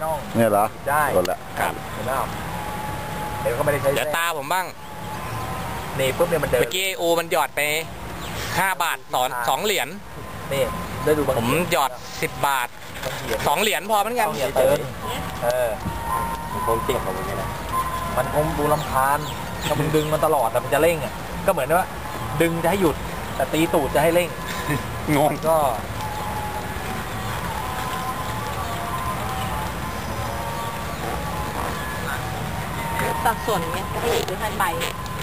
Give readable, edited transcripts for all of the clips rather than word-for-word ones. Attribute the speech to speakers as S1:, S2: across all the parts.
S1: น่อง
S2: เนี่ยเหรอ
S1: ได้
S2: หมดละ
S1: ครับเห็นไหมครับเดี๋ยวก็ไม่ได้ใช้
S3: เดี๋ยวตาผมบ้าง
S1: นี่ปุ๊บเนี่ยมันเดิน
S3: เมื่อกี้อูมันหยอดไป5 บาท2 เหรียญ
S1: นี่ได้ดู
S3: ผมหยอด10 บาท2 เหรียญพอเหมือนกัน
S1: เติมมันคงเจ็บของมันไงนะมันคงดูลำคาญถ้ามึงดึงมันตลอดแต่มันจะเร่งอ่ะก็เหมือนว่าดึงจะให้หยุดแต่ตีตูดจะให้เร่ง
S3: งง
S1: ก็
S4: ตัดส่วนเนี้ยให้หรือให้ใบ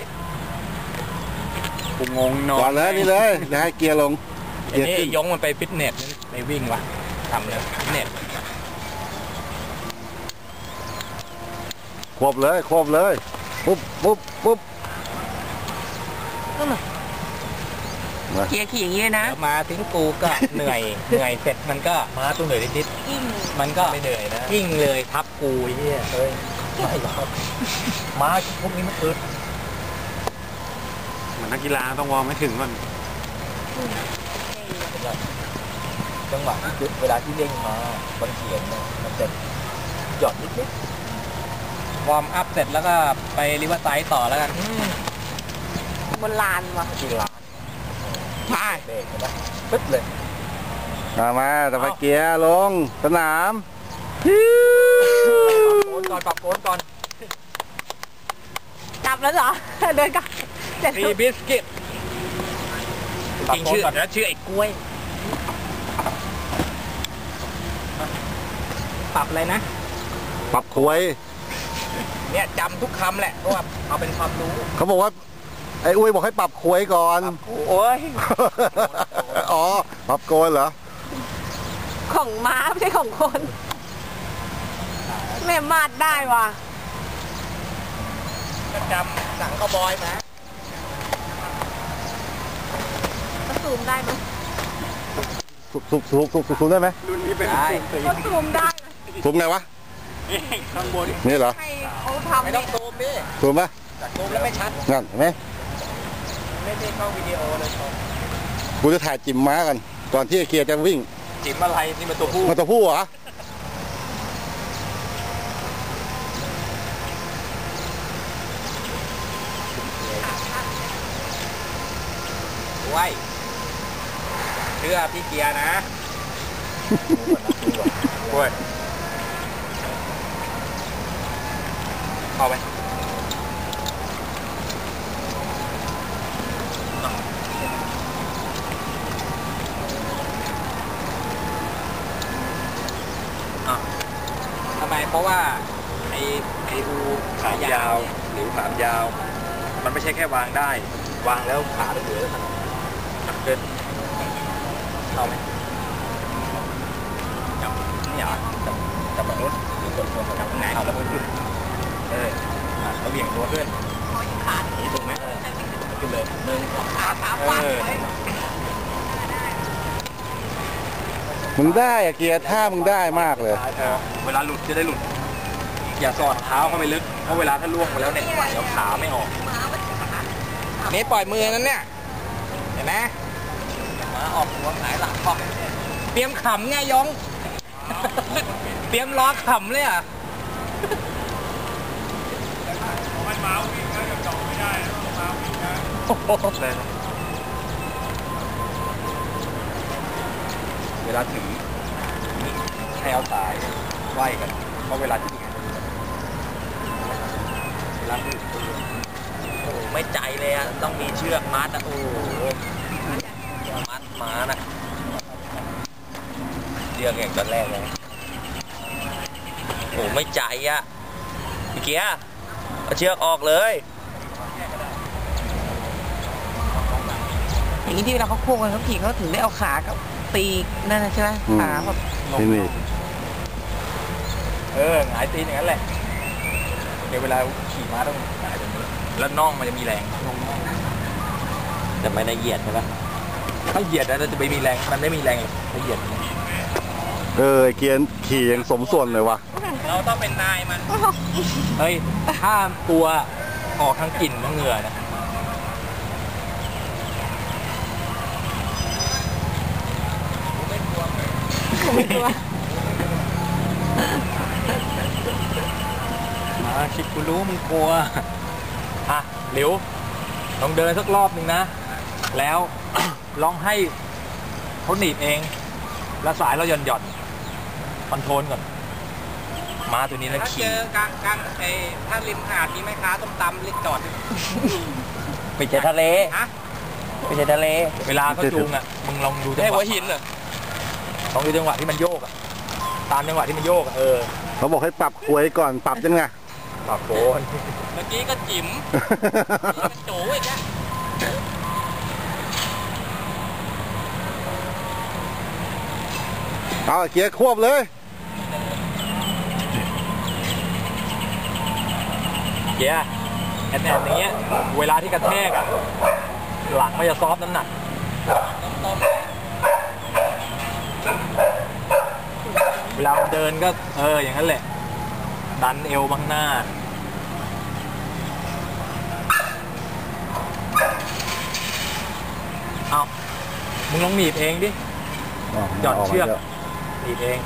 S3: กูงงนอน
S2: ก่อนเลยนี่เลยนะให้เกียร์ลง
S3: ไอ้นี่ยงมันไปฟิตเนสไปวิ่งวะทำเลยฟิตเนส
S2: ควบเลยปุ๊บ
S4: เกียร์ขี่อย่างนี้นะ
S3: มาถึงกูก็เหนื่อยเสร็จมันก็
S1: มาตัวเหนื่อยนิด
S3: มันก็
S1: ไม่เหนื่อยนะ
S3: ยิ่งเลยทับกูเฮีย
S1: เฮ้ยไม่หรอกม้าพวกนี้มันอึด
S3: เหมือนนักกีฬาต้องวอร์มให้ถึงก่อน
S1: จังหวะที่เวลาที่เร่งมาบนเขียนมันจะหย่อนนิด
S3: วอร์มอัพเสร็จแล้วก็ไปริเวอร์ไซด์ต่อแล้วกัน
S4: บนลานวะ
S1: ที่ลาน
S3: ไป
S1: เบรกนะปึ๊บเลย
S2: มาแต่ไปเกียร์ลงสนาม
S1: ปรับโคนก่อน
S4: กลับแล้วเหรอเดินกลับ
S3: มีบิสกิตจริงชื่อแล้วชื่อไอ้กล้วยปรับอะไรนะ
S2: ปรับควย
S3: เนี่ยจำทุกคำแหละเพราะว่าเอาเป็นความรู้
S2: เขาบอกว่าไอ้อุ้ยบอกให้ปรับควยก่อน
S3: โอ้ย
S2: อ๋อปรับโกนเหรอ
S4: ของม้าไม่ใช่ของคนแม่มาดได้ว่ะ
S3: จำหนังคาวบอยนะ
S4: ซูมได้ไหม
S2: ซูมได้ไหม
S3: รุ่นนี้เป็น
S4: ซูมได้
S2: ซูมไงวะ
S3: นี่ข้างบน
S2: นี่เหรอ
S4: ให้เขาทำ
S3: ไม่ต้องซูมดิ
S2: ซูมปะ
S3: ซูมแล้วไม่ชัด
S2: งั้นเห็นไหม
S3: ไม่ได้เข้าวิดีโอเลย
S2: กูจะถ่ายจิ๋มม้ากันก่อนที่เกียร์จะวิ่ง
S3: จิ๋มอะไรนี่มันตัวผู้
S2: เหรอ
S3: ไว้เชื่อพี่เกียร์นะโอ้ยเอาไปทำไมเพราะว่าไอ้อูขายาวหรือขายาวมันไม่ใช่แค่วางได้วางแล้วขาได้เหลือเดินเข้าไหมจับนี่เหรอจับแบบนู้นหรือกดตัวจับไหนเอาแล้วขึ้นเราเบี่ยงตัวขึ้นนี่ถูกไหมขึ้นเลย
S2: มึงได้อะเกียร์ท่ามึงได้มากเลย
S3: เวลาหลุดจะได้หลุดอย่าสอดเท้าเข้าไปลึกเพราะเวลาถ้าล่วงไปแล้วเนี่ยเดี๋ยวขาไม่ออกนี่ปล่อยมือนั้นเนี่ยเห็นไหมมาออกหัวหงายหลังออกเตรียมขำไงยงเตรียมล้อขำเลยอ่ะไม่มาวิ่งนะจะจอดไม่ได้ต้องมาวิ่งนะเลยเวลาถือให้เอาสายไหวกันเพราะเวลาที่เวลาถือไม่ใจเลยอ่ะต้องมีเชือกมัดอ่ะโอ้มัดม้านะเชือกอย่างตอนแรกเลยโอ้ไม่ใจอ่ะพี่เกียร์เอาเชือกออกเลย
S4: อย่างนี้ที่เวลาเขาโค้งกันเขาขี่เขาถึงได้เอาขากับตีนั่นใช่ไหมขาแบบ
S2: ที่นี่
S3: หงายตีอย่างนั้นแหละเดี๋ยวเวลาขี่ม้าต้องหงายแบบนี้แล้วน่องมันจะมีแรงแต่ไม่ได้เหยียดใช่ปะถ้าเหยียดแล้วจะไม่มีแรงมันไม่มีแรงถ้าเหยียด
S2: เกียร์ขี่ยังสมส่วนเลยวะ
S3: เราต้องเป็นนายมันเฮ้ยห้ามตัวออกทั้งกลิ่นทั้งเหงื่อนะ
S4: ไม่กลัว
S3: กูรู้มึงกลัว
S1: อ่ะหลิวลองเดินสักรอบหนึ่งนะ แล้ว ลองให้เขาหนีบเอง แล้วสายเราหย่อนคอนโทรลก่อนม้าตัวนี้นะ
S3: ถ้าเจ
S1: ขี่
S3: อกลางถ้าริมหาดมีแม่ค้าต้มตำเล็กจอด
S1: ไปเจอทะเล
S3: ฮะ
S1: ไปเจอทะเล เวลาเขาจูงอ่ะมึงลองดูจัง
S3: ได้
S1: ห
S3: หั
S1: วะ
S3: วหินเหรอ
S1: ลองดูจังหวะที่มันโยกอ่ะตามจังหวะที่มันโยกอ่ะ
S2: เขาบอกให้ปรับอวยก่อนปรับยังไง
S1: ปรับโกน
S3: เมื่อกี้ก็จิ๋มนี่ก็โจ้อีกแล้ว
S2: เอาเกียร์ควบเลย
S1: เกียร์แอนอย่างเงี้ยเวลาที่กระแทกอ่ะหลังมันจะซอฟต์น้ำหนักเวลาเดินก็อย่างนั้นแหละดันเอวบังหน้าเอามึงลองหนีบเองดิหย่อนเชือกหนีบเอง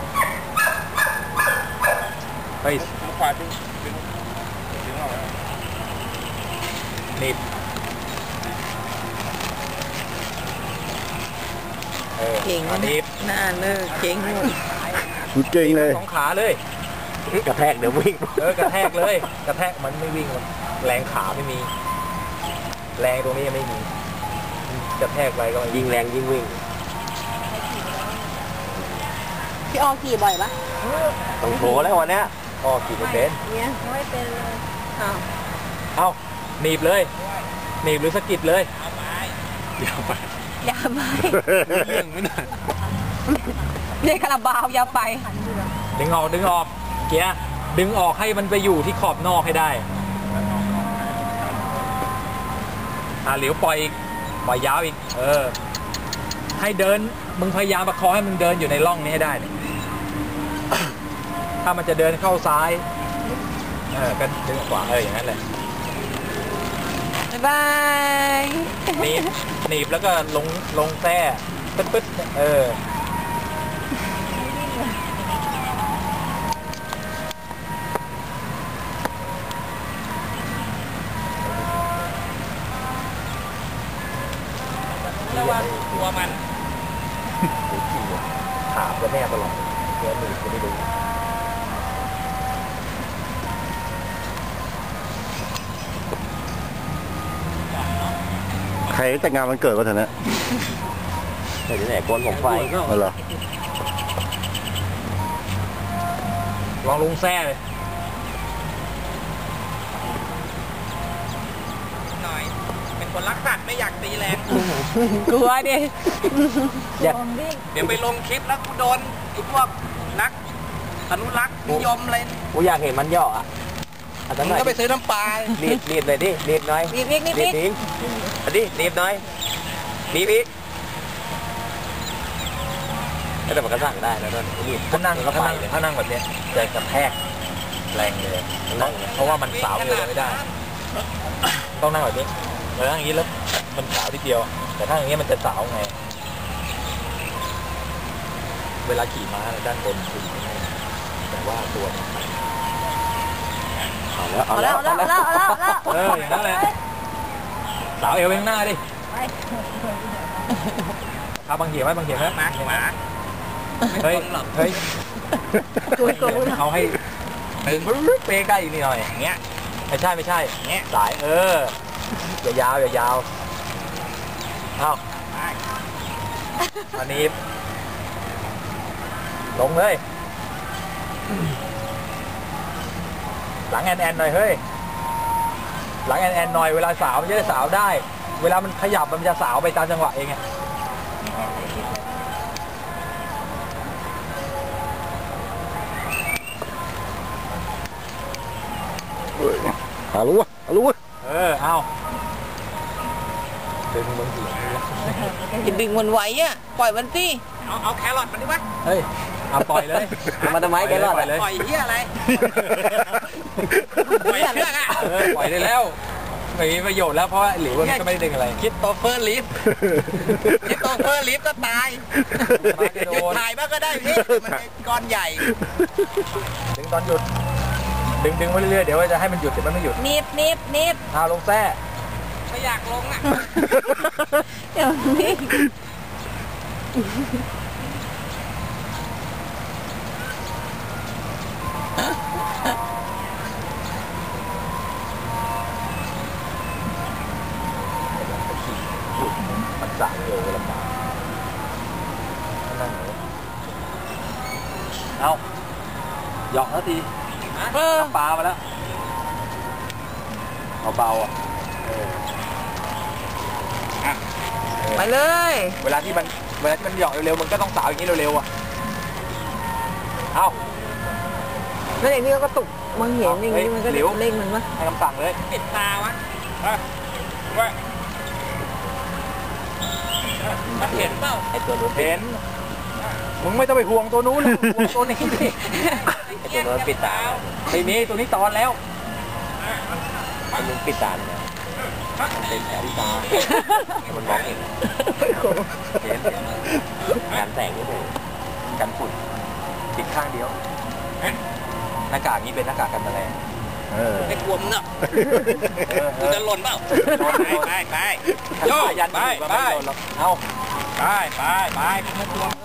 S1: เฮ้ย
S3: ขวาดึงออก
S1: หนีบ
S4: เก่ง
S1: หนีบ
S4: หน้าเลิกเก่งหมด
S2: เก่งเลย
S1: สองขาเลยกระแทกเดี๋ยววิ่งกระแทกเลยกระแทกมันไม่วิ่งแรงขาไม่มี แรงตรงนี้ยังไม่มีกระแทกไปก็ยิงแรงยิงวิ่ง
S5: พี่ออขี่บ่อยปะ
S1: ต้องโชว์แล้ววันเนี้ยพ่อขี่ไม่เป็น
S5: เนี่ยไม่เป็นเลยอ้าว
S1: เอ้าหนีบเลยหนีบหรือสะกิดเลย
S5: อย่าไป
S3: เรื่องไม่น่า
S5: เนี่ยคาราบาวอย่าไป
S1: ดึงออกเกียร์ดึงออกให้มันไปอยู่ที่ขอบนอกให้ได้เหลียวปล่อยอีกปล่อยยาวอีกให้เดินมึงพยายามประคองให้มึงเดินอยู่ในร่องนี้ให้ได้เนี่ย ถ้ามันจะเดินเข้าซ้ายก็ดึงขวาอย่างนั้นแหละ
S4: บ๊ายบาย
S1: หนีบแล้วก็ลงแท้ปึ๊ด
S3: ระวังตัวมัน
S1: ขาก็แน่ตลอดเดี๋ยวหนีบจะไม่ดู
S2: ใครแต่งงานวันเกิดวะเถอะนะ
S1: เดี๋ยวไหนโกนผมไฟ
S2: เหรอ
S1: ลองลุงแซ่เลย
S3: หน่อย เป็นคนรักสัตว์ไม่อยากตีแรง
S4: กลัวดิ
S3: เดี๋ยวไปลงคลิปแล้วกูโดนไอ้พวกนักอนุรักษ์นิยมอะไร
S1: กูอยากเห็นมันย่ออ่ะ
S3: มึงก็ไปซื้อน้ำปลา
S1: หนีบเลยดิหนีบหน่อย
S5: นิดนิดนิดนิด
S1: อันนี้หนีบหน่อยหนีบอีกแต่มันก็สั่งได้แล้วด้วยหนีบถ้านั่งแบบนี้จะกระแทกแรงเลยเพราะว่ามันสาวเดียวไม่ได้ ต้องนั่งแบบนี้นั่งอย่างนี้แล้วมันสาวทีเดียว แต่ถ้าอย่างนี้มันจะสาวไง เวลาขี่ม้าด้านบนคือแต่ว่าตัวมันเอาแล้ว
S5: เอาแล้ว
S1: อย่างนั้นแหละสาวเอวไปข้างหน้าดิถ้าบางเหี่ยวไหมบางเหี่ยวไหม
S3: หมา
S1: เฮ้ยเอาให้เป๊ะใกล้อีกนิดหน่อยอย่างเงี้ยไม่ใช่เงี้ยสายอย่ายาวเอาอันนี้ลงเลยหลังแอนหน่อยเฮ้ยหลังแอนหน่อยเวลาสาวมันจะได้สาวได้เวลามันขยับมันจะสาวไปตามจังหวะเองไง
S2: เอารู้วะ
S1: เอาดึงมึง
S4: อย่าดึงมันไว้อะปล่อยมันสิ
S3: เอาแครอทมันดิวะ
S1: เฮ้ยเอาปล่อยเลยมาทำไมแกรอดเลย
S3: ปล่อยเหี้ยอะไร ปล่อยเชือกอ่ะ
S1: ปล่อยได้แล้วไม่มีประโยชน์แล้วเพราะหลิวมันก็ไม่ได้ดึงอะไร
S3: คิดโตเฟอร์ลิฟก็ตายหยุดถ่ายบ้างก็ได้พี่มันเป็นก้อนใหญ่
S1: ดึงตอนหยุดดึงไปเรื่อยๆเดี๋ยวจะให้มันหยุดเดี๋ยวมันไม่หยุด
S5: นิบ
S1: เอาลงแท้
S3: ไม่อยากลงอ่ะ
S5: เดี๋ยวนี้
S1: มันสายเลยลำบากนั่งไหนเอาหยอกแล้วทีน้ำปลามาแล้วเบาๆอ่ะ
S4: ไปเลย
S1: เวลาที่มันหยอกเร็วๆมันก็ต้องสาวอย่างนี้เร็วๆอ่ะเอา
S4: แล้วอย่างนี้ก็ตุกมันเห็นอย่างนี้มันก็เร่งมันวะ
S1: ให้คำสั่งเลย
S3: ปิดตาวะว่าเห็นเปล่า
S1: ไอตัวนู้นเห็นมึงไม่ต้องไปห่วงตัวนู้นห่วงตัวนี้ดิไอตัวนู้นปิดตาไม่มีตัวนี้ตอนแล้วตัวนู้นปิดตาเนี่ยมันเป็นแผลที่ตามันมองเห็นการแสงนี่เลยกันฝุ่นปิดข้างเดียวหน้ากากนี้เป็นหน้ากากกันแมลง
S3: ไม่กลัวมึงเนาะมึงจะหล่นเปล่าไปโยกไปเอาไปไม่กลัว